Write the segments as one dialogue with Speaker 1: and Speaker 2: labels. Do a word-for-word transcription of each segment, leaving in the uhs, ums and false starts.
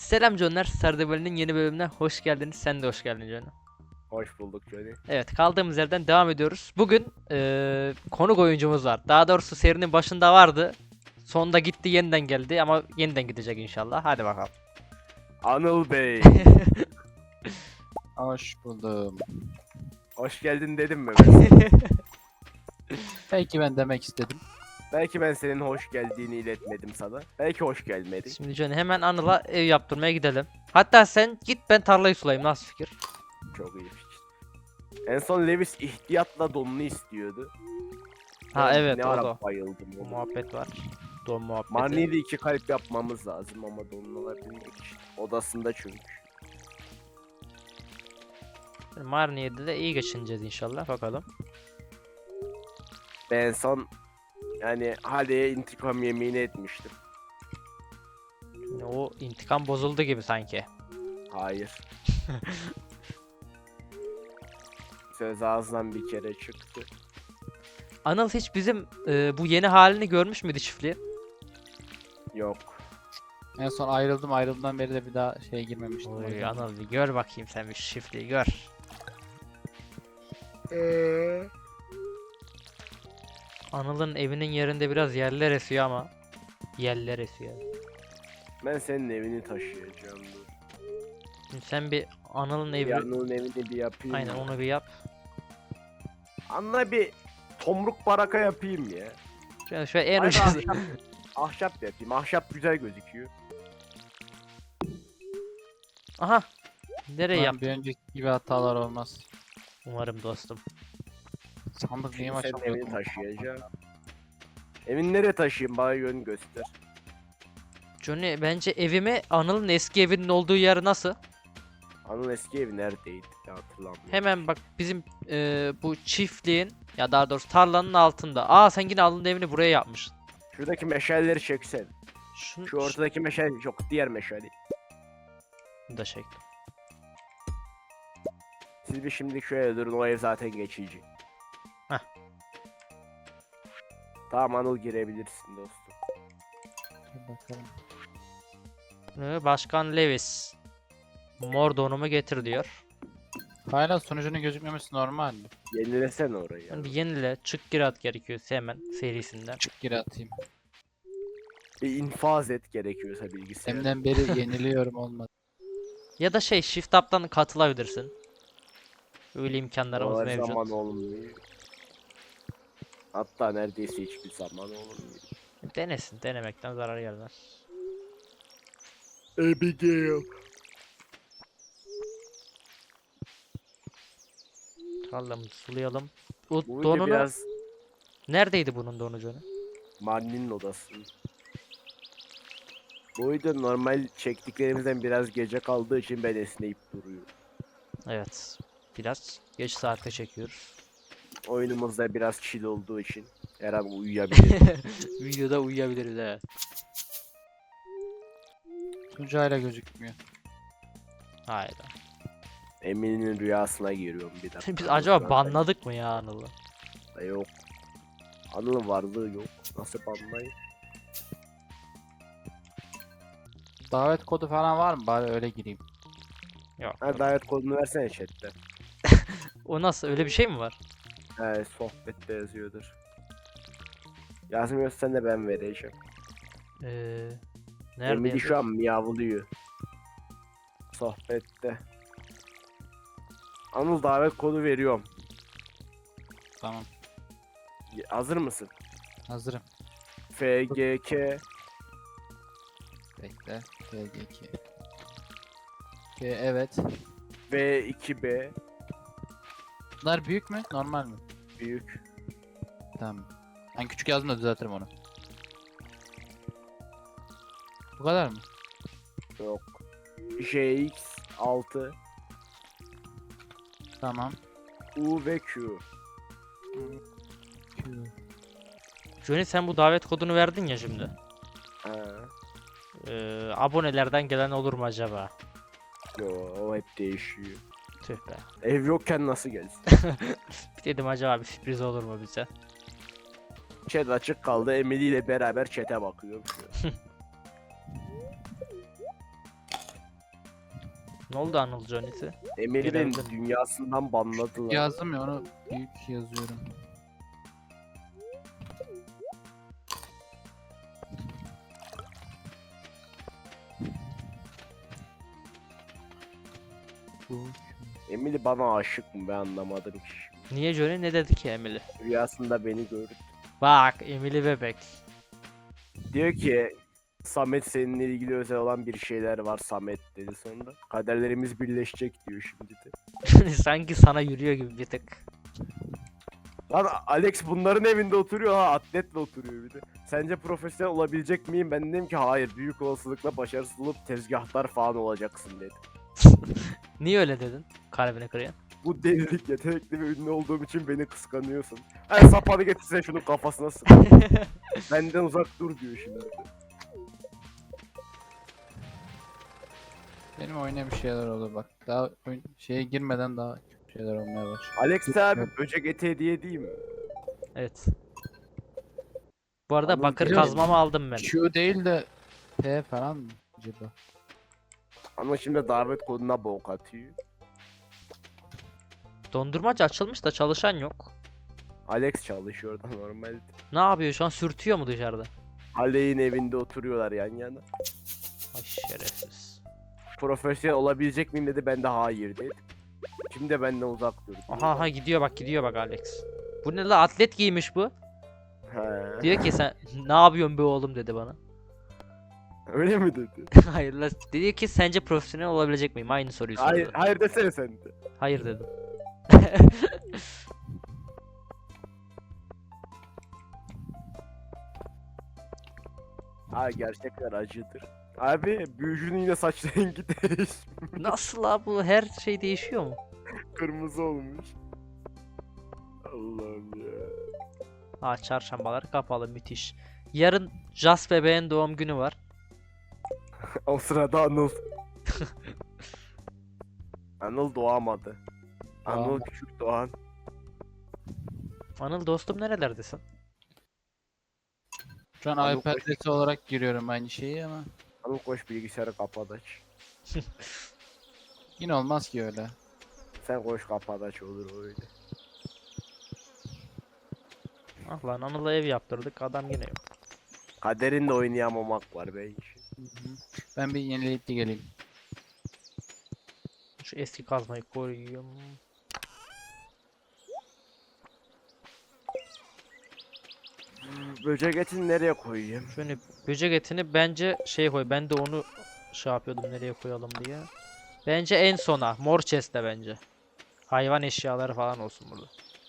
Speaker 1: Selam Canlar, Sardabali'nin yeni bölümüne hoş geldiniz. Sen de hoş geldin canım.
Speaker 2: Hoş bulduk Johnny.
Speaker 1: Evet, kaldığımız yerden devam ediyoruz. Bugün eee konuk oyuncumuz var. Daha doğrusu serinin başında vardı. Sonunda gitti, yeniden geldi ama yeniden gidecek inşallah. Hadi bakalım.
Speaker 2: Anıl Bey.
Speaker 3: Hoş buldum.
Speaker 2: Hoş geldin dedim mi ben?
Speaker 3: Belki ben demek istedim.
Speaker 2: Belki ben senin hoş geldiğini iletmedim sana. Belki hoş gelmedi.
Speaker 1: Şimdi Johnny hemen Anıl'a ev yaptırmaya gidelim. Hatta sen git, ben tarlayı sulayayım. Nasıl fikir?
Speaker 2: Çok iyi fikir. En son Lewis ihtiyatla donunu istiyordu.
Speaker 1: Ha
Speaker 2: Ben
Speaker 1: evet,
Speaker 2: ne
Speaker 1: o
Speaker 2: ara
Speaker 1: da.
Speaker 2: bayıldım
Speaker 1: Bu
Speaker 2: ona.
Speaker 1: muhabbet var. Don muhabbeti.
Speaker 2: Marnie'yi de iki kalp yapmamız lazım ama donunu alabilmek için. Odasında çünkü.
Speaker 1: Marnie'de de iyi geçineceğiz inşallah. Bakalım.
Speaker 2: Ben en son yani Hale'ye intikam yemini etmiştim.
Speaker 1: Yani o intikam bozuldu gibi sanki.
Speaker 2: Hayır. Söz ağzından bir kere çıktı.
Speaker 1: Anıl hiç bizim e, bu yeni halini görmüş müydü çiftliği?
Speaker 2: Yok.
Speaker 3: En son ayrıldım ayrıldığımdan beri de bir daha şeye girmemiştim. o
Speaker 1: Oy
Speaker 3: yüzden.
Speaker 1: Anıl, bir gör bakayım sen, bir çiftliği gör.
Speaker 2: Eee?
Speaker 1: Anıl'ın evinin yerinde biraz yerler esiyor ama. Yerler esiyor.
Speaker 2: Ben senin evini taşıyacağım. Dur.
Speaker 1: Şimdi sen bir Anıl'ın evi...
Speaker 2: Yanının evini bir yapayım.
Speaker 1: Aynen,
Speaker 2: ya.
Speaker 1: onu bir yap.
Speaker 2: Anla bir tomruk baraka yapayım ya.
Speaker 1: Şöyle, şöyle en
Speaker 2: Hayır,
Speaker 1: ucuz.
Speaker 2: ahşap, ahşap da yapayım. Ahşap güzel gözüküyor.
Speaker 1: Aha. Nereye
Speaker 3: Umarım
Speaker 1: yap?
Speaker 3: bir önceki gibi hatalar olmaz.
Speaker 1: Umarım dostum.
Speaker 3: Sandık niye
Speaker 2: Şimdi senin
Speaker 3: açamıyordum?
Speaker 2: evini taşıyacağım. Evini nereye taşıyayım? Bana yön göster.
Speaker 1: Johnny, bence evimi Anıl'ın eski evinin olduğu yer nasıl?
Speaker 2: Anıl eski evi neredeydi? Ya hatırlamıyorum.
Speaker 1: Hemen bak, bizim e, bu çiftliğin, ya daha doğrusu tarlanın altında. Aa, sen yine Anıl'ın evini buraya yapmışsın.
Speaker 2: Şuradaki meşaleleri çeksen.
Speaker 1: Şunu,
Speaker 2: Şu ortadaki meşale yok. Diğer meşale.
Speaker 1: şunu da çektim.
Speaker 2: Siz bir şimdi şöyle durun. O ev zaten geçici.
Speaker 1: Heh.
Speaker 2: Tamam Anıl, girebilirsin dostum.
Speaker 3: Dur bakalım.
Speaker 1: Ee, Başkan Lewis. Mor donumu getir diyor.
Speaker 3: Hala sonucunun gözükmemesi normal mi?
Speaker 2: Yenilesene orayı.
Speaker 1: Yani
Speaker 2: Ya.
Speaker 1: bir yenile, çık gir at gerekiyorsa hemen serisinden.
Speaker 3: Çık geri atayım.
Speaker 2: Bir infaz et gerekiyorsa bilgisayar.
Speaker 3: Deminden beri yeniliyorum olmadı.
Speaker 1: Ya da şey, shift up'tan katılabilirsin. Öyle imkanlarımız
Speaker 2: O her
Speaker 1: mevcut.
Speaker 2: zaman olmuyor. Hatta neredeyse hiçbir zaman olmuyor.
Speaker 1: Denesin, denemekten zarar gelmez.
Speaker 2: Abigail.
Speaker 1: Tarlamızı sulayalım. Bu
Speaker 2: Bu video
Speaker 1: donunu...
Speaker 2: biraz
Speaker 1: Neredeydi bunun donu Johnny?
Speaker 2: Marnie'nin odası. Bu video normal çektiklerimizden biraz gece kaldığı için ben esneyip duruyorum.
Speaker 1: Evet. Biraz geç saatte çekiyoruz.
Speaker 2: Oyunumuzda biraz chill olduğu için her an uyuyabilirim.
Speaker 1: Videoda uyuyabiliriz, evet.
Speaker 3: Sunucu hala gözükmüyor.
Speaker 1: Hayda.
Speaker 2: Emin'in rüyasına giriyorum bir dakika.
Speaker 1: Biz acaba banladık mı ya Anıl'ı?
Speaker 2: Yok. Anıl'ın varlığı yok. Nasıl banlayayım?
Speaker 3: Davet kodu falan var mı? Bari öyle gireyim.
Speaker 1: Yok.
Speaker 2: Ha, davet kodunu versene chatte.
Speaker 1: O nasıl? Öyle bir şey mi var?
Speaker 2: He, sohbette yazıyordur. Yazmıyorsan da ben vereceğim.
Speaker 1: Ee, nerede
Speaker 2: Emily
Speaker 1: yazıyor?
Speaker 2: şu an miyavlıyor. Sohbette. Anıl, davet kodu veriyorum.
Speaker 3: Tamam.
Speaker 2: Y- Hazır mısın?
Speaker 3: Hazırım.
Speaker 2: F G K
Speaker 3: Bekle. G G iki. G evet.
Speaker 2: V iki B
Speaker 3: Bunlar büyük mü? Normal mi?
Speaker 2: büyük.
Speaker 3: Tamam. Ben küçük yazdım da düzeltirim onu. Bu kadar mı?
Speaker 2: Yok. J X altı
Speaker 3: Tamam.
Speaker 2: U ve Q.
Speaker 3: Q.
Speaker 1: Johnny, sen bu davet kodunu verdin ya şimdi.
Speaker 2: Ha.
Speaker 1: Ee, abonelerden gelen olur mu acaba?
Speaker 2: Yo, o hep değişiyor.
Speaker 1: Tüh be.
Speaker 2: Ev yokken nasıl gelsin?
Speaker 1: Bir dedim acaba bir sürpriz olur mu bize?
Speaker 2: Chat açık kaldı. Emily ile beraber chat'e bakıyorum şu an.
Speaker 1: Ne oldu Anıl Johnny'si?
Speaker 2: Emir'i benim
Speaker 1: Gelebildim.
Speaker 2: dünyasından banladılar.
Speaker 3: Yazdım ya onu büyük yazıyorum.
Speaker 2: Emily bana aşık mı ben anlamadım ki.
Speaker 1: Niye Johnny ne dedi ki Emily?
Speaker 2: Rüyasında beni gördü.
Speaker 1: Bak Emily bebek.
Speaker 2: Diyor ki Samet seninle ilgili özel olan bir şeyler var Samet dedi sonra. Kaderlerimiz birleşecek diyor şimdi de.
Speaker 1: Sanki sana yürüyor gibi bir tık.
Speaker 2: Lan Alex bunların evinde oturuyor ha atletle oturuyor bir de. Sence profesyonel olabilecek miyim? Ben dedim ki hayır büyük olasılıkla başarısız olup tezgahtar falan olacaksın dedi.
Speaker 1: Niye öyle dedin? Kalbini kırıyor.
Speaker 2: Bu delilik yetenekli ve ünlü olduğum için beni kıskanıyorsun. Her sapanı getirsen şunun kafasına sık. Benden uzak dur diyor şimdi.
Speaker 3: Benim oyuna bir şeyler oldu bak. Daha oyun şeye girmeden daha kötü şeyler olmaya başladı.
Speaker 2: Alex abi böcek eti hediye değil mi?
Speaker 1: Evet. Bu arada
Speaker 2: Anıl
Speaker 1: bakır
Speaker 2: geliyor.
Speaker 1: kazmamı aldım ben.
Speaker 3: Q değil de P falan mı acaba?
Speaker 2: Ama şimdi davet koduna bok atıyor.
Speaker 1: Dondurmacı açılmış da çalışan yok.
Speaker 2: Alex çalışıyor da normalde.
Speaker 1: Ne yapıyor şu an, sürtüyor mu dışarıda?
Speaker 2: Aley'in evinde oturuyorlar yan yana.
Speaker 1: Ay şerefsiz.
Speaker 2: Profesyonel olabilecek miyim dedi ben de hayır dedim. Şimdi de benden uzak dur.
Speaker 1: Aha aha gidiyor bak, gidiyor bak Alex. Bu ne la, atlet giymiş bu.
Speaker 2: He.
Speaker 1: Diyor ki sen ne yapıyorsun be oğlum dedi bana.
Speaker 2: Öyle mi dedi?
Speaker 1: Hayır la, dedi ki sence profesyonel olabilecek miyim? Aynı soruyu sordu.
Speaker 2: Hayır, hayır desene sen de.
Speaker 1: Hayır dedim.
Speaker 2: Ha gerçekler acıdır. Abi büyücünün yine saç rengi değiş.
Speaker 1: Nasıl la, bu her şey değişiyor mu?
Speaker 2: Kırmızı olmuş. Allah'ım ya.
Speaker 1: Ha, çarşambalar kapalı, müthiş. Yarın Jas bebeğin doğum günü var.
Speaker 2: O sırada Anıl. Anıl doğamadı. Anıl
Speaker 3: Doğamadı.
Speaker 2: küçük doğan.
Speaker 1: Anıl dostum nerelerdesin?
Speaker 3: Şu an
Speaker 2: Anıl
Speaker 3: iPad
Speaker 2: koş.
Speaker 3: Lite olarak giriyorum aynı şeyi ama
Speaker 2: Anıl koş bilgisayarı kapat aç.
Speaker 3: yine olmaz ki öyle.
Speaker 2: Sen koş kapat aç olur öyle.
Speaker 1: Ah lan, Anıl'a ev yaptırdık, adam yine yok.
Speaker 2: Kaderinde oynayamamak var belki.
Speaker 3: Hı hı. Ben bir yenileyip de geleyim.
Speaker 1: Şu eski kazmayı koyayım.
Speaker 2: Böcek etini nereye koyayım?
Speaker 1: Şöyle böcek etini bence şey koy. Ben de onu şey yapıyordum, nereye koyalım diye. Bence en sona. Mor chest'te bence. Hayvan eşyaları falan olsun burada.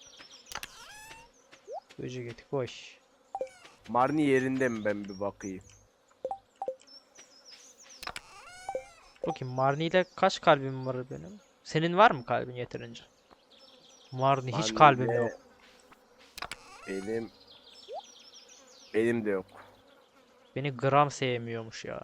Speaker 1: Böcek eti koy.
Speaker 2: Marni yerinde mi ben bir bakayım.
Speaker 1: Bakayım Marni'de kaç kalbim var benim? Senin var mı kalbin yeterince? Marni hiç kalbim
Speaker 2: Marni'de
Speaker 1: yok.
Speaker 2: Benim benim de yok.
Speaker 1: Beni gram sevmiyormuş ya.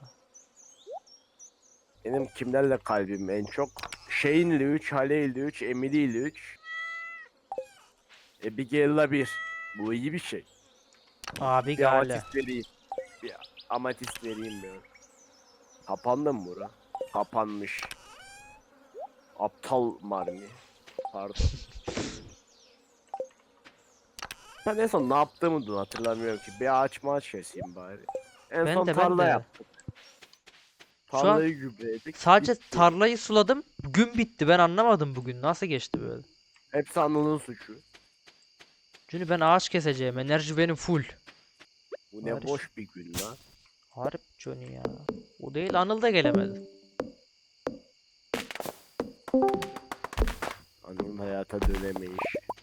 Speaker 2: Benim kimlerle kalbim en çok? Shane'le üç, Haley'le üç, Emily'le üç. Abigail'la bir. Bu iyi bir şey.
Speaker 1: Abi
Speaker 2: Bir
Speaker 1: gale.
Speaker 2: amatist vereyim. Bir amatist vereyim ben. Kapandı mı bura? Kapanmış. Aptal Marni. Pardon. Ben en son ne yaptığımı da hatırlamıyorum ki. Bir ağaç maaç keseyim bari. En
Speaker 1: Ben
Speaker 2: son
Speaker 1: de, ben
Speaker 2: tarla
Speaker 1: de.
Speaker 2: yaptık.
Speaker 1: Şu an
Speaker 2: Tarlayı gübreledik.
Speaker 1: Sadece
Speaker 2: bitti.
Speaker 1: tarlayı suladım. Gün bitti. Ben anlamadım bugün. Nasıl geçti böyle?
Speaker 2: Hepsi Anıl'ın suçu.
Speaker 1: Çünkü ben ağaç keseceğim. Enerji benim full.
Speaker 2: Bu ne
Speaker 1: Barış.
Speaker 2: boş bir gün lan.
Speaker 1: Harip Johnny ya. O değil, Anıl da gelemedi.
Speaker 2: Anıl'ın hayata dönemeyiş.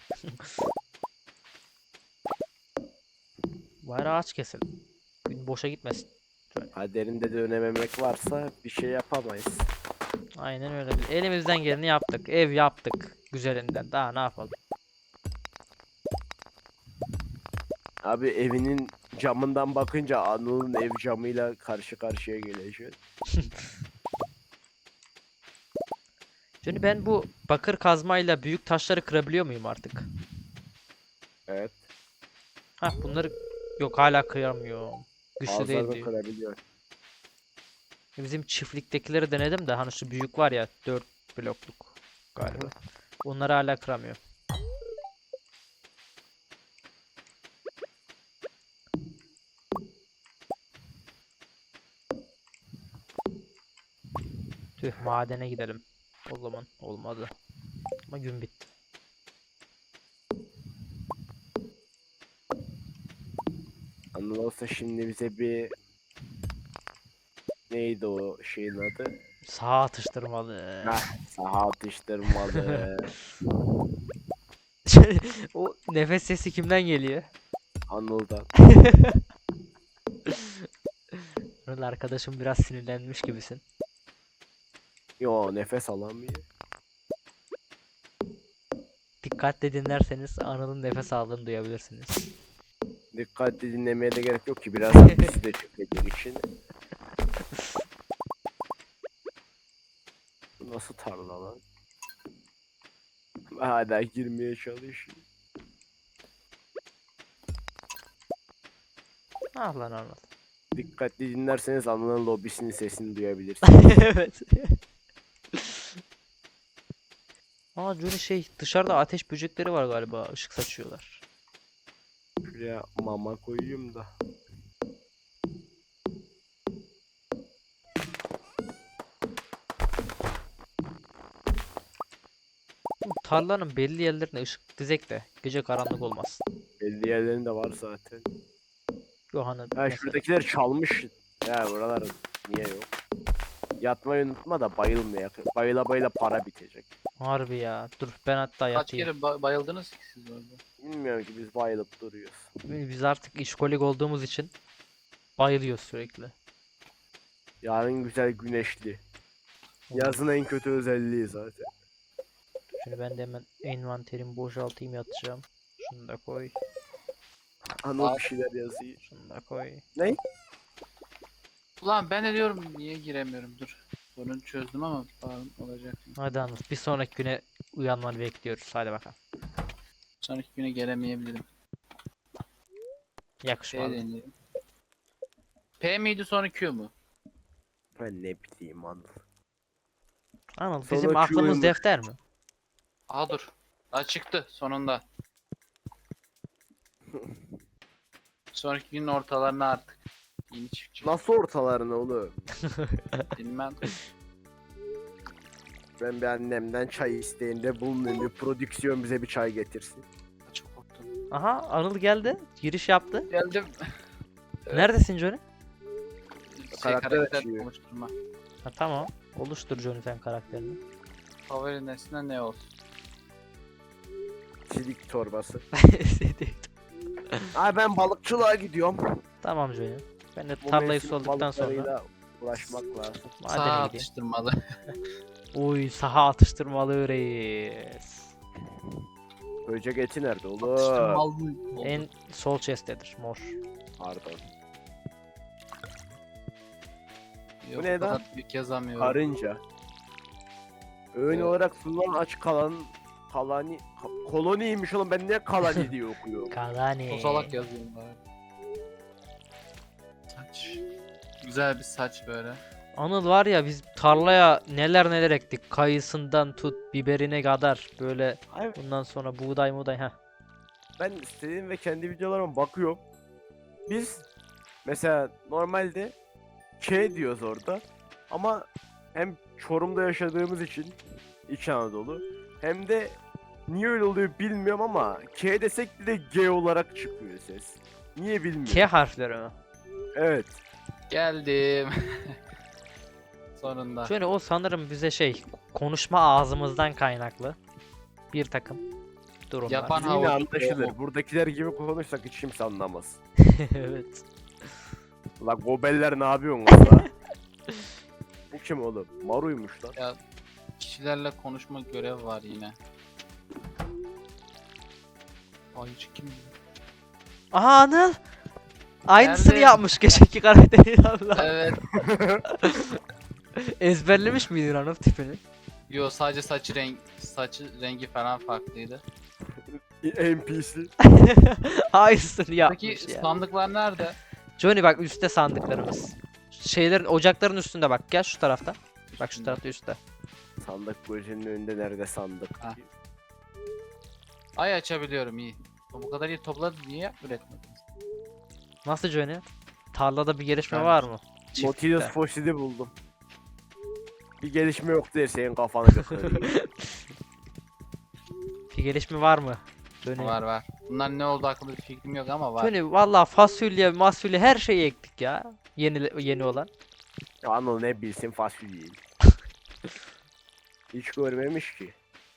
Speaker 1: Bari ağaç keselim. Gün boşa gitmesin.
Speaker 2: Kaderinde dönememek varsa bir şey yapamayız.
Speaker 1: Aynen öyle. Biz elimizden geleni yaptık. Ev yaptık. Güzelinden. Daha ne yapalım?
Speaker 2: Abi evinin camından bakınca Anıl'ın ev camıyla karşı karşıya geliyor.
Speaker 1: Şimdi ben bu bakır kazmayla büyük taşları kırabiliyor muyum artık?
Speaker 2: Evet.
Speaker 1: Hah, bunları yok, hala kıyamıyorum. Güçlü değil
Speaker 2: Ağızlarını
Speaker 1: diyor.
Speaker 2: kırabiliyor.
Speaker 1: Bizim çiftliktekileri denedim de hani şu büyük var ya dört blokluk galiba. Onları hala kıramıyor. Tüh madene gidelim. O zaman olmadı. Ama gün bitti.
Speaker 2: Anıl olsa şimdi bize bir neydi o şeyin adı?
Speaker 1: Sağa atıştırmalı.
Speaker 2: Hah, saha atıştırmalı.
Speaker 1: O nefes sesi kimden geliyor?
Speaker 2: Anıl'dan.
Speaker 1: Anıl arkadaşım biraz sinirlenmiş gibisin.
Speaker 2: Yo nefes alamıyor.
Speaker 1: Dikkatli dinlerseniz Anıl'ın nefes aldığını duyabilirsiniz.
Speaker 2: Dikkatli dinlemeye de gerek yok ki biraz bizi de çekecek için. Bu nasıl tarla lan? Hala girmeye çalışıyor.
Speaker 1: Ah lan Anıl.
Speaker 2: Dikkatli dinlerseniz Anıl'ın lobisinin sesini duyabilirsiniz.
Speaker 1: Evet. Aa Johnny şey dışarıda ateş böcekleri var galiba ışık saçıyorlar.
Speaker 2: Şuraya mama koyayım da.
Speaker 1: Bu tarlanın belli yerlerine ışık dizek de gece karanlık olmaz.
Speaker 2: Belli yerlerinde var zaten.
Speaker 1: Yohan'ın
Speaker 2: Ha
Speaker 1: mesela.
Speaker 2: şuradakiler çalmış. Ya buralar niye yok? Yatmayı unutma da bayılmaya. Bayıla bayıla para bitecek.
Speaker 1: Harbi ya. Dur ben hatta
Speaker 3: Kaç
Speaker 1: yatayım.
Speaker 3: kere ba- bayıldınız ki siz orada?
Speaker 2: Bilmiyorum ki biz bayılıp duruyoruz.
Speaker 1: Biz artık işkolik olduğumuz için bayılıyoruz sürekli.
Speaker 2: Yarın güzel güneşli. Yazın en kötü özelliği zaten.
Speaker 1: Şimdi ben de hemen envanterimi boşaltayım yatacağım. Şunu da koy.
Speaker 2: Anıl bir şeyler yazıyor.
Speaker 1: Şunu da koy.
Speaker 3: Ulan ben de diyorum niye giremiyorum dur. Sorunu çözdüm ama falan olacak.
Speaker 1: Hadi Anıl bir sonraki güne uyanmanı bekliyoruz. Hadi bakalım.
Speaker 3: Sonraki güne gelemeyebilirim. P
Speaker 1: Yakışmadı.
Speaker 3: deneyelim. P miydi sonra Q mu?
Speaker 2: Ben ne bileyim Anıl.
Speaker 1: Anıl
Speaker 2: Sonra
Speaker 1: bizim aklımız
Speaker 2: Q'ymuş.
Speaker 1: defter mi?
Speaker 3: Aha dur. Daha çıktı sonunda. Sonraki günün ortalarına artık. Yeni çıkacak.
Speaker 2: Nasıl ortalarına oğlum?
Speaker 3: Bilmem.
Speaker 2: Ben bir annemden çay isteğinde bulunayım. Bir prodüksiyon bize bir çay getirsin.
Speaker 3: Çok korktum.
Speaker 1: Aha Anıl geldi. Giriş yaptı.
Speaker 3: Geldim. Evet.
Speaker 1: Neredesin Johnny?
Speaker 3: Şey,
Speaker 2: Karakter
Speaker 3: karakter
Speaker 2: açıyor.
Speaker 3: oluşturma.
Speaker 1: Ha, tamam. Oluştur Johnny sen karakterini.
Speaker 3: Favori nesne ne olsun?
Speaker 2: Çelik torbası. Ay ben balıkçılığa gidiyorum.
Speaker 1: Tamam Johnny. Ben de
Speaker 2: Bu
Speaker 1: tarlayı
Speaker 2: mevsim
Speaker 1: solduktan sonra
Speaker 2: balıklarıyla uğraşmak lazım.
Speaker 3: Sağ
Speaker 1: madene gideyim.
Speaker 3: atıştırmalı.
Speaker 1: Uy saha atıştırmalı reis.
Speaker 2: Böcek eti nerede oğlum?
Speaker 3: Atıştırmalı.
Speaker 1: En sol chest'tedir mor.
Speaker 2: Pardon.
Speaker 3: Yok,
Speaker 2: Bu ne
Speaker 3: o kadar
Speaker 2: lan?
Speaker 3: büyük yazamıyorum.
Speaker 2: Karınca. Öğün
Speaker 3: Evet.
Speaker 2: olarak sunulan aç kalan kalani ka- koloniymiş oğlum ben niye kalani diye okuyorum.
Speaker 1: Kalani.
Speaker 3: Kozalak yazıyorum bari. Saç. Güzel bir saç böyle.
Speaker 1: Anıl var ya biz tarlaya neler neler ektik. Kayısından tut biberine kadar böyle
Speaker 2: Hayır,
Speaker 1: bundan sonra buğday muğday ha.
Speaker 2: ben istediğim ve kendi videolarıma bakıyorum. Biz mesela normalde K diyoruz orada ama hem Çorum'da yaşadığımız için İç Anadolu hem de niye öyle oluyor bilmiyorum ama K desek de G olarak çıkıyor ses. Niye bilmiyorum.
Speaker 1: K harfleri mi?
Speaker 2: Evet.
Speaker 3: Geldim. Sonunda.
Speaker 1: Şöyle o sanırım bize şey konuşma ağzımızdan kaynaklı bir takım durumlar.
Speaker 3: Yapan
Speaker 2: Yine
Speaker 3: havlu.
Speaker 2: anlaşılır. Buradakiler gibi konuşsak hiç kimse anlamaz.
Speaker 1: Evet.
Speaker 2: La gobeller ne yapıyorsun valla? Bu kim oğlum? Maru'ymuş lan.
Speaker 3: Ya kişilerle konuşma görev var yine. Ayıcı kim?
Speaker 1: Aha Anıl. Aynısını
Speaker 3: Nerede?
Speaker 1: yapmış geçenki karakteri Allah.
Speaker 3: Evet.
Speaker 1: Ezberlemiş miydin Anıl tipini?
Speaker 3: Yo sadece saç renk saçı rengi falan farklıydı.
Speaker 2: N P C.
Speaker 1: Aynısını
Speaker 3: Peki
Speaker 1: yapmış ya.
Speaker 3: sandıklar nerede?
Speaker 1: Johnny bak üstte sandıklarımız. şeylerin ocakların üstünde bak. Gel şu tarafta. Bak şu tarafta üstte.
Speaker 2: Sandık gözünün önünde nerede sandık?
Speaker 3: Ha. Ay açabiliyorum iyi. Bu kadar iyi topladın niye üretmediniz?
Speaker 1: Nasıl Johnny? Tarlada bir gelişme
Speaker 3: Ben-
Speaker 1: var mı?
Speaker 2: Nautilus
Speaker 1: Çiftlikte.
Speaker 2: fosili buldum. Bir gelişme yok der senin kafanı götürüyor.
Speaker 1: Bir gelişme var mı? Johnny.
Speaker 3: Var var. Bunlar ne oldu hakkında bir fikrim yok ama var.
Speaker 1: Johnny valla fasulye, masulye her şeyi ektik ya. Yeni yeni olan.
Speaker 2: Ya Anıl ne bilsin fasulyeyi. Hiç görmemiş ki.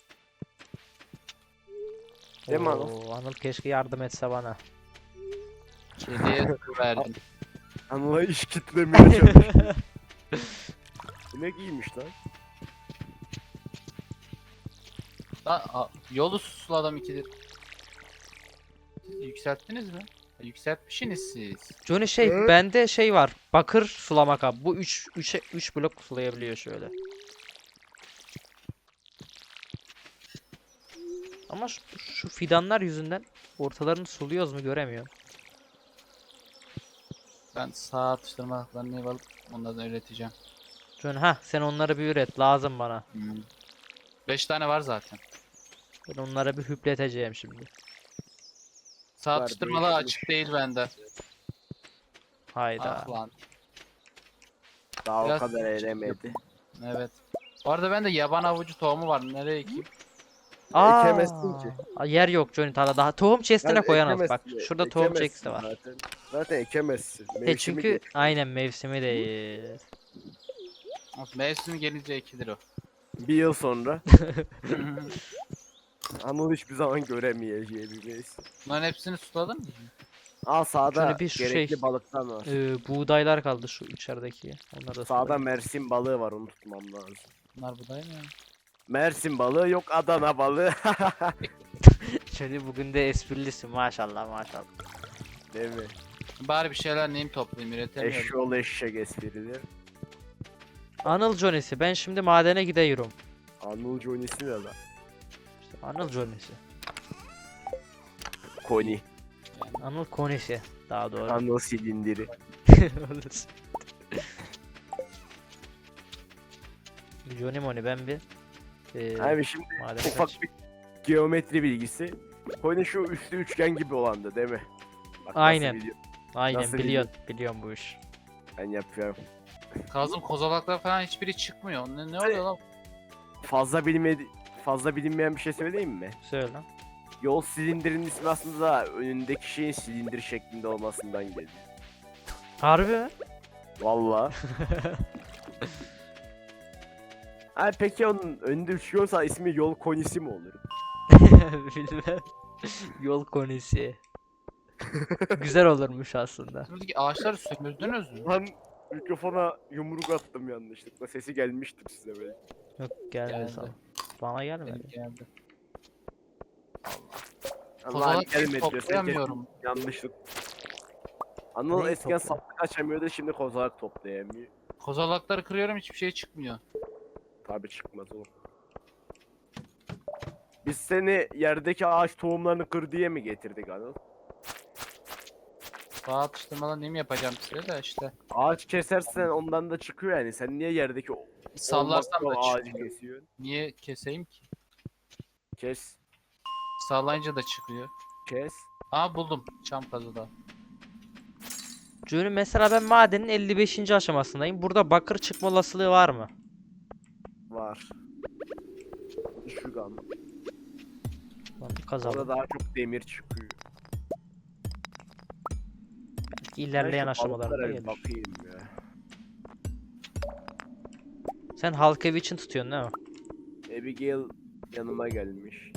Speaker 2: Değil mi Anıl?
Speaker 1: Oo, Anıl keşke yardım etse bana.
Speaker 3: Kediye su verdim.
Speaker 2: Anıl'a iş kitlemeye çalışıyor. Bu ne giymiş lan?
Speaker 3: Lan, a- yolu susuladım ikidir. Siz yükselttiniz mi? Ha, yükseltmişsiniz siz.
Speaker 1: Johnny şey
Speaker 2: Hı?
Speaker 1: bende şey var. Bakır sulama kabı. Bu üç üç üç blok sulayabiliyor şöyle. Ama şu, şu fidanlar yüzünden ortalarını suluyoruz mu göremiyorum.
Speaker 3: Ben sağ atıştırmalarını alıp onlardan üreteceğim.
Speaker 1: Johnny ha sen onları bir üret lazım bana.
Speaker 3: Hmm. Beş tane var zaten.
Speaker 1: Ben onları bir hüpleteceğim şimdi.
Speaker 3: Sağ
Speaker 2: Var,
Speaker 3: atıştırmalar
Speaker 2: değişmiş.
Speaker 3: açık değil bende.
Speaker 1: Hayda.
Speaker 3: Ah lan.
Speaker 2: Daha
Speaker 3: Biraz
Speaker 2: o kadar
Speaker 3: şey
Speaker 2: elemedi.
Speaker 3: Evet. Bu arada bende yaban avucu tohumu var. Nereye ekeyim?
Speaker 1: Aa,
Speaker 2: Ekemezsin ki.
Speaker 1: aa, yer yok Johnny tarlada. Daha tohum chest'ine
Speaker 2: Yani
Speaker 1: koyanız bak.
Speaker 2: ekemezsin,
Speaker 1: Şurada tohum
Speaker 2: ekemezsin
Speaker 1: chest'i var.
Speaker 2: Zaten, zaten ekemezsin.
Speaker 1: E
Speaker 2: Mevsimi
Speaker 1: çünkü
Speaker 2: geç.
Speaker 1: aynen mevsimi değil.
Speaker 3: Mevsim gelince ekilir o.
Speaker 2: Bir yıl sonra Anıl hiçbir zaman göremeyeceği bir mevsim.
Speaker 3: Bunların hepsini suladın mı?
Speaker 2: Al sağda
Speaker 1: Şöyle bir şu
Speaker 2: gerekli
Speaker 1: şey-
Speaker 2: balıktan var.
Speaker 1: Ee, buğdaylar kaldı şu içerideki. Onları da
Speaker 2: Sağda
Speaker 1: sulayayım.
Speaker 2: Mersin balığı var, onu tutmam lazım.
Speaker 3: Bunlar buday mı?
Speaker 2: Mersin balığı yok, Adana balığı.
Speaker 1: Johnny bugün de esprilisin maşallah maşallah.
Speaker 2: Değil mi?
Speaker 3: Bari bir şeyler neyim toplayayım üretemiyorum.
Speaker 2: Eşyol eşek esprileri.
Speaker 1: Anıl Johnny'si. Ben şimdi madene gidiyorum.
Speaker 2: Anıl Johnny'si ne lan?
Speaker 1: İşte Anıl Johnny'si.
Speaker 2: Koni.
Speaker 1: Anıl Konisi. Daha doğru.
Speaker 2: Anıl silindiri.
Speaker 1: Olur. Johnny Moni ben bir ee,
Speaker 2: Abi şimdi
Speaker 1: madene
Speaker 2: ufak
Speaker 1: kaç-
Speaker 2: bir geometri bilgisi. Koni şu üstü üçgen gibi olandı değil mi? Bak nasıl
Speaker 1: Aynen.
Speaker 2: biliyor-
Speaker 1: Aynen
Speaker 2: nasıl
Speaker 1: biliyorsun. Biliyorum bu iş.
Speaker 2: Ben yapıyorum.
Speaker 3: Kazım kozalaklar falan hiçbiri çıkmıyor. Ne, ne oluyor lan?
Speaker 2: Fazla bilinmedi fazla bilinmeyen bir şey söyleyeyim mi?
Speaker 1: Söyle lan.
Speaker 2: Yol silindirinin ismi aslında önündeki şeyin silindir şeklinde olmasından geliyor.
Speaker 1: Harbi mi?
Speaker 2: Valla. Ha peki onun önünde üçgen olsa ismi yol konisi mi olur?
Speaker 1: Bilmem. Yol konisi. Güzel olurmuş aslında.
Speaker 3: Buradaki ağaçları sömürdünüz mü?
Speaker 2: Lan mikrofona yumruk attım yanlışlıkla. Sesi gelmiştir size belki.
Speaker 1: Yok gelmedi
Speaker 3: Geldi.
Speaker 1: sana. Bana gelmedi.
Speaker 3: Benim geldi.
Speaker 2: Allah'ım
Speaker 3: Kozalak
Speaker 2: gelmedi diyor. Sen
Speaker 3: toplayamıyorum.
Speaker 2: kesin yanlışlık. Anıl
Speaker 1: Neyi
Speaker 2: eskiden
Speaker 1: topla?
Speaker 2: saplık açamıyordu, şimdi kozalak toplayamıyor.
Speaker 3: Kozalakları kırıyorum hiçbir şey çıkmıyor.
Speaker 2: Tabi çıkmaz oğlum. Biz seni yerdeki ağaç tohumlarını kır diye mi getirdik Anıl?
Speaker 3: Sağ atıştırmadan neyim yapacağım size de işte.
Speaker 2: Ağaç kesersen ondan da çıkıyor yani. Sen niye yerdeki o-
Speaker 3: Sallarsam
Speaker 2: olmazsa
Speaker 3: da
Speaker 2: o ağacı
Speaker 3: çıkmıyor.
Speaker 2: kesiyorsun?
Speaker 3: Niye keseyim ki?
Speaker 2: Kes.
Speaker 3: Sallayınca da çıkıyor.
Speaker 2: Kes.
Speaker 3: Aa buldum. Çam kazıda.
Speaker 1: Johnny mesela ben madenin elli beşinci aşamasındayım. Burada bakır çıkma olasılığı var mı?
Speaker 2: Var. Düşük an.
Speaker 1: Lan kazalım.
Speaker 2: Orada daha çok demir çıkıyor.
Speaker 1: Belki ilerleyen
Speaker 2: Ben şu
Speaker 1: aşamalarda
Speaker 2: balıklara bir
Speaker 1: gelir.
Speaker 2: bakayım ya.
Speaker 1: Sen halk evi için tutuyorsun değil mi?
Speaker 2: Abigail yanıma gelmiş.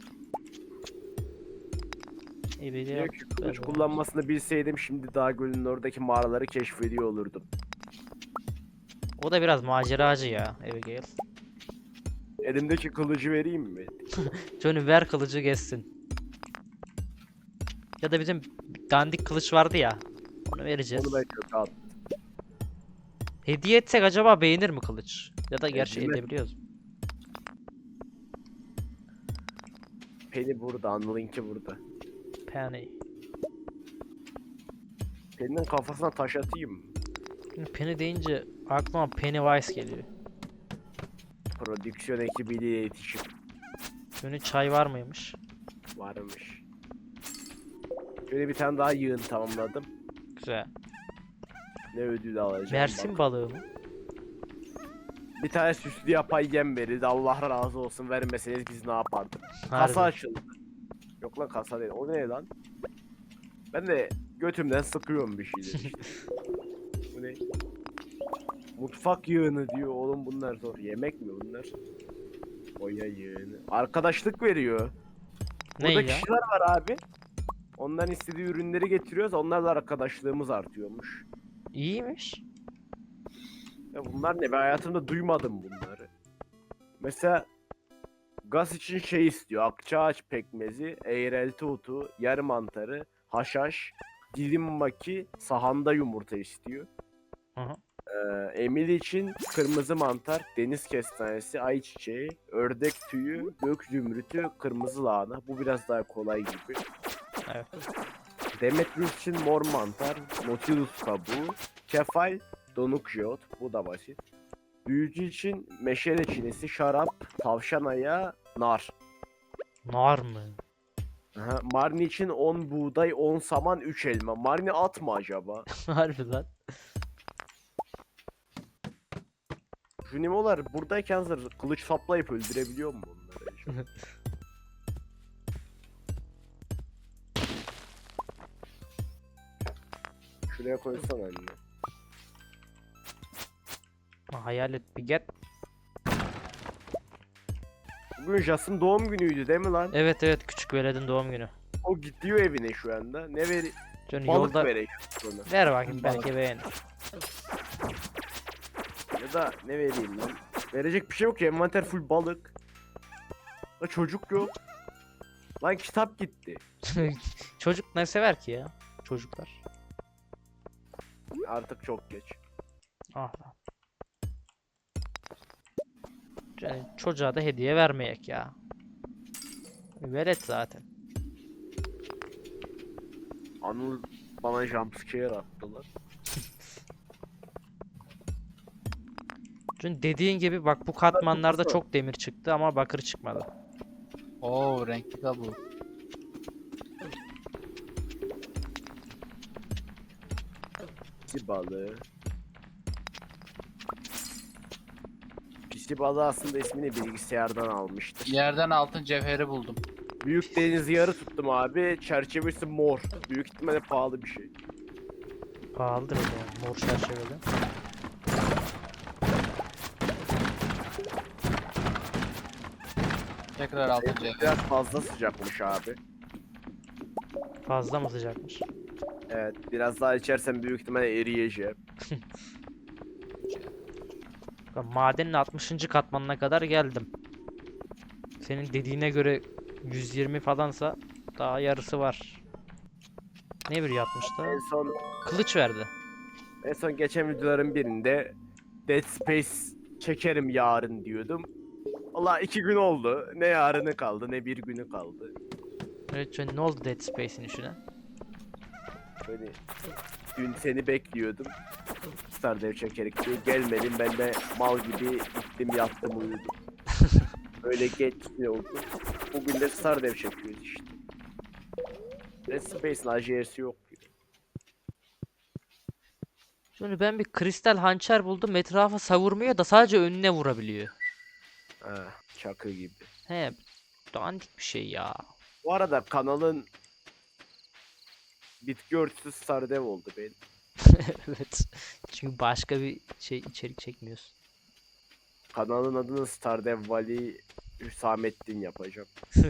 Speaker 1: İyi bir
Speaker 2: Diyor ki kılıç
Speaker 1: ben-
Speaker 2: kullanmasını bilseydim şimdi Dağ Gölü'nün oradaki mağaraları keşfediyor olurdum.
Speaker 1: O da biraz maceracı ya Abigail.
Speaker 2: Elimdeki kılıcı vereyim mi?
Speaker 1: Johnny ver kılıcı geçsin. Ya da bizim dandik kılıç vardı ya. Onu vereceğiz.
Speaker 2: Onu ben çok at.
Speaker 1: Hediye etsek acaba beğenir mi kılıç? Ya da gerçi
Speaker 2: Edilmez.
Speaker 1: edebiliyoruz.
Speaker 2: Penny burada, Anıl'ınki burada.
Speaker 1: Penny.
Speaker 2: Penny'nin kafasına taş atayım mı?
Speaker 1: Şimdi Penny deyince aklıma Pennywise geliyor.
Speaker 2: Prodüksiyon ekibiyle iletişim
Speaker 1: Şöyle çay var mıymış?
Speaker 2: varmış. Şöyle bir tane daha yığın tamamladım.
Speaker 1: Güzel.
Speaker 2: Ne ödül alacağım
Speaker 1: Mersin
Speaker 2: bak.
Speaker 1: balığı mı?
Speaker 2: Bir tane süslü yapay yem verildi. Allah razı olsun, vermeseniz biz ne yapardık? Kasa
Speaker 1: Harbi.
Speaker 2: açıldı. Yok lan, kasa değil. O ne lan? Ben de götümden sıkıyorum bir şeyler işte. Bu ne? Mutfak yığını diyor. Oğlum bunlar zor. Yemek mi bunlar? Boya yığını. Arkadaşlık veriyor.
Speaker 1: Ne
Speaker 2: Burada
Speaker 1: ya?
Speaker 2: kişiler var abi. Ondan istediği ürünleri getiriyoruz. Onlarla arkadaşlığımız artıyormuş.
Speaker 1: İyiymiş.
Speaker 2: Ya bunlar ne? Ben hayatımda duymadım bunları. Mesela gaz için şey istiyor. Akçaağaç pekmezi, eğrelti otu, yer mantarı, haşhaş, dilim maki, sahanda yumurta istiyor.
Speaker 1: Aha.
Speaker 2: Ee, Emili için kırmızı mantar, deniz kestanesi, ayçiçeği, ördek tüyü, gök zümrütü, kırmızı lahana. Bu biraz daha kolay gibi.
Speaker 1: Evet.
Speaker 2: Demetrius için mor mantar, nautilus kabuğu, kefal, donuk jeot. Bu da basit. Büyücü için meşale çinisi, şarap, tavşan ayağı, nar.
Speaker 1: Nar mı?
Speaker 2: Aha, Marni için on buğday, on saman, üç elma. Marni at mı acaba?
Speaker 1: Harbi lan.
Speaker 2: Junimolar buradayken zır kılıç saplayıp öldürebiliyor mu bunları acaba? Şuraya koysana anne.
Speaker 1: Ha, hayalet bir get.
Speaker 2: Bugün Jas'ın doğum günüydü değil mi lan?
Speaker 1: Evet evet, küçük veledin doğum günü.
Speaker 2: O gidiyor evine şu anda. Ne veri?
Speaker 1: Canım
Speaker 2: Balık
Speaker 1: yolda
Speaker 2: vereyim ona.
Speaker 1: ver bakayım, belki beğenir.
Speaker 2: Ya da ne vereyim lan? Verecek bir şey yok ki, envanter full balık. La çocuk yok. Lan kitap gitti.
Speaker 1: Çocuk ne sever ki ya? Çocuklar.
Speaker 2: Artık çok geç.
Speaker 1: Ah lan. Yani çocuğa da hediye vermeyek ya. Velet zaten.
Speaker 2: Anıl bana jumpscare attılar.
Speaker 1: Çünkü dediğin gibi bak, bu katmanlarda çok demir çıktı ama bakır çıkmadı.
Speaker 3: Oo, renkli kabuğu.
Speaker 2: Pisi balığı. Pisi balığı aslında ismini bilgisayardan almıştır.
Speaker 3: Yerden altın cevheri buldum.
Speaker 2: Büyük deniz yarı tuttum abi. Çerçevesi mor. Büyük ihtimalle pahalı bir şey.
Speaker 1: Pahalıdır o zaman, mor çerçeveli.
Speaker 3: Tekrar altın cevheri.
Speaker 2: Biraz fazla sıcakmış abi.
Speaker 1: Fazla mı sıcakmış?
Speaker 2: Evet, biraz daha içersem büyük ihtimalle eriyeceğim.
Speaker 1: Ben madenin altmışıncı katmanına kadar geldim. Senin dediğine göre yüz yirmi falansa daha yarısı var. Ne bir yapmıştı?
Speaker 2: En son
Speaker 1: Kılıç verdi.
Speaker 2: en son geçen videoların birinde Dead Space çekerim yarın diyordum. Valla iki gün oldu. Ne yarını kaldı ne bir günü kaldı.
Speaker 1: Evet canım, ne oldu Dead Space'in işine?
Speaker 2: Böyle dün seni bekliyordum. Stardew çekerek diye gelmedim, ben de mal gibi gittim yattım uyudum. Böyle geç ne oldu. Bugün de Stardew çekiyoruz işte. Dead Space'in acelesi yok.
Speaker 1: Şimdi ben bir kristal hançer buldum. Etrafa savurmuyor da sadece önüne vurabiliyor.
Speaker 2: Ha, çakı gibi.
Speaker 1: He, dandik bir şey ya.
Speaker 2: Bu arada kanalın bitki örtüsü Stardew oldu benim.
Speaker 1: Evet. Çünkü başka bir şey içerik çekmiyorsun.
Speaker 2: Kanalın adını Stardew Valley Hüsamettin yapacağım.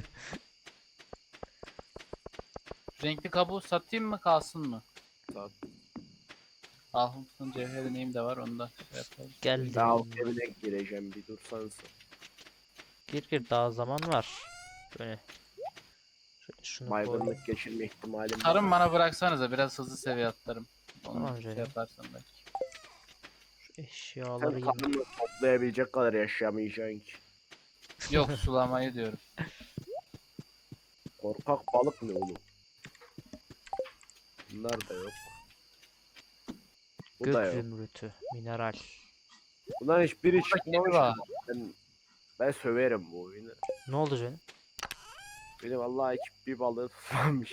Speaker 3: Renkli kabuğu satayım mı kalsın mı?
Speaker 2: Sat.
Speaker 3: Altın cevheri neyim de var, onu da şey yapalım.
Speaker 1: Geldi.
Speaker 2: Daha o evine gireceğim, bir dursanız.
Speaker 1: Gir gir, daha zaman var. Böyle. Şöyle şunu koy.
Speaker 2: Baygınlık geçirme ihtimalim var.
Speaker 3: Tarım bana bıraksanıza, biraz hızlı seviye atlarım. Onu
Speaker 1: Tamam
Speaker 3: şey
Speaker 1: canım.
Speaker 3: yaparsan belki.
Speaker 1: Şu eşyaları
Speaker 2: Sen
Speaker 1: yiyeyim.
Speaker 2: kanını toplayabilecek kadar yaşayamayacaksın ki.
Speaker 3: Yok, sulamayı diyorum.
Speaker 2: Korkak balık ne oğlum? Bunlar da yok. Bu
Speaker 1: Gök
Speaker 2: da yok.
Speaker 1: zümrütü. Mineral.
Speaker 2: Bunların hiçbiri
Speaker 3: Burada kedi
Speaker 2: çıkmamış.
Speaker 3: var.
Speaker 2: Ben, ben söverim bu oyunu.
Speaker 1: Ne oldu canım?
Speaker 2: Beni vallahi ekip bir balığı tutmamış.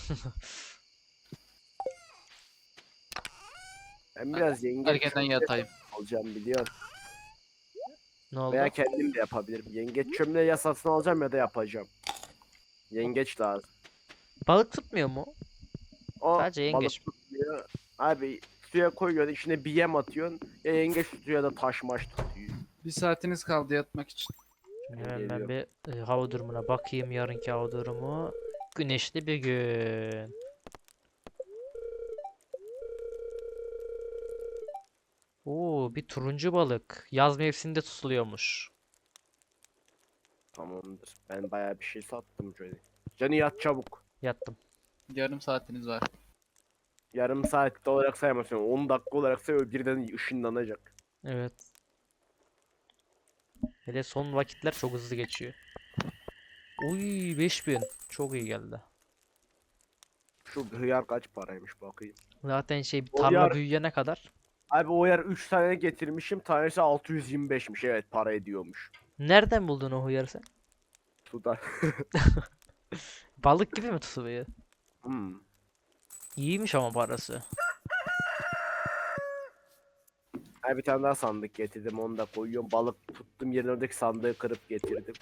Speaker 2: Ben biraz yengeç
Speaker 3: Erkenden
Speaker 2: çömleği
Speaker 3: yatayım.
Speaker 2: alacağım biliyorsun.
Speaker 1: Ne oldu?
Speaker 2: Veya kendim de yapabilirim. Yengeç çömleği ya satın alacağım ya da yapacağım. Yengeç lazım.
Speaker 1: Balık tutmuyor mu?
Speaker 2: O
Speaker 1: Sadece yengeç.
Speaker 2: balık tutmuyor. Abi suya koyuyorsun içine bir yem atıyorsun. Ya yengeç tutuyor ya da taş maş tutuyor.
Speaker 3: Bir saatiniz kaldı yatmak için.
Speaker 1: Hemen ben
Speaker 2: Geliyor.
Speaker 1: bir e, hava durumuna bakayım, yarınki hava durumu. Güneşli bir gün. Oo, bir turuncu balık. Yaz mevsiminde tutuluyormuş.
Speaker 2: Tamamdır. Ben bayağı bir şey sattım şöyle. Canı yat çabuk.
Speaker 1: Yattım.
Speaker 3: Yarım saatiniz var.
Speaker 2: Yarım saat olarak saymasın. on dakika olarak say birden ışınlanacak.
Speaker 1: Evet. Hele son vakitler çok hızlı geçiyor. Uy, beş bin. Çok iyi geldi.
Speaker 2: Şu hıyar kaç paraymış bakayım.
Speaker 1: Zaten şey
Speaker 2: O
Speaker 1: tarla
Speaker 2: yar-
Speaker 1: büyüyene kadar.
Speaker 2: Abi o yer üç tane getirmişim. Tanesi altı yüz yirmi beşmiş. Evet para ediyormuş.
Speaker 1: Nereden buldun o hıyarı sen?
Speaker 2: Suda.
Speaker 1: Balık gibi mi tutuluyor?
Speaker 2: Hmm.
Speaker 1: İyiymiş ama parası.
Speaker 2: Abi bir tane daha sandık getirdim. Onu da koyuyorum. Balık tuttum yerine oradaki sandığı kırıp getirdim.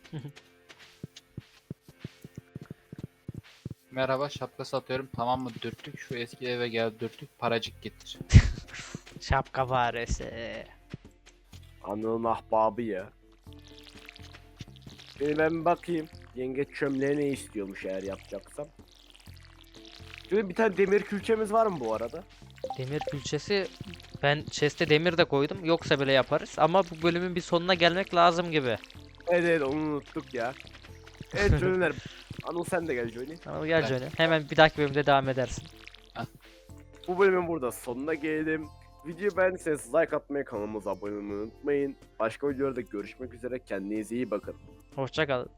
Speaker 3: Merhaba, şapka satıyorum. Tamam mı dürttük? Şu eski eve gel dürttük. Paracık getir.
Speaker 1: Şapka faresi.
Speaker 2: Anıl'ın ahbabı ya. Şimdi ben bir bakayım. Yengeç çömleği ne istiyormuş eğer yapacaksam. Şöyle bir tane demir külçemiz var mı bu arada?
Speaker 1: Demir külçesi, ben chest'e demir de koydum. Yoksa bile yaparız. Ama bu bölümün bir sonuna gelmek lazım gibi.
Speaker 2: Evet evet onu unuttuk ya. Evet Johnny'ler. Anıl sen de gel Johnny.
Speaker 1: Tamam, gel
Speaker 3: Ben-
Speaker 1: Johnny. Hemen bir dahaki bölümde devam edersin.
Speaker 2: Bu bölümün burada sonuna geldim. Videoyu beğendiyseniz like atmayı, kanalımıza abone olmayı unutmayın. Başka videolarda görüşmek üzere. Kendinize iyi bakın.
Speaker 1: Hoşça kal.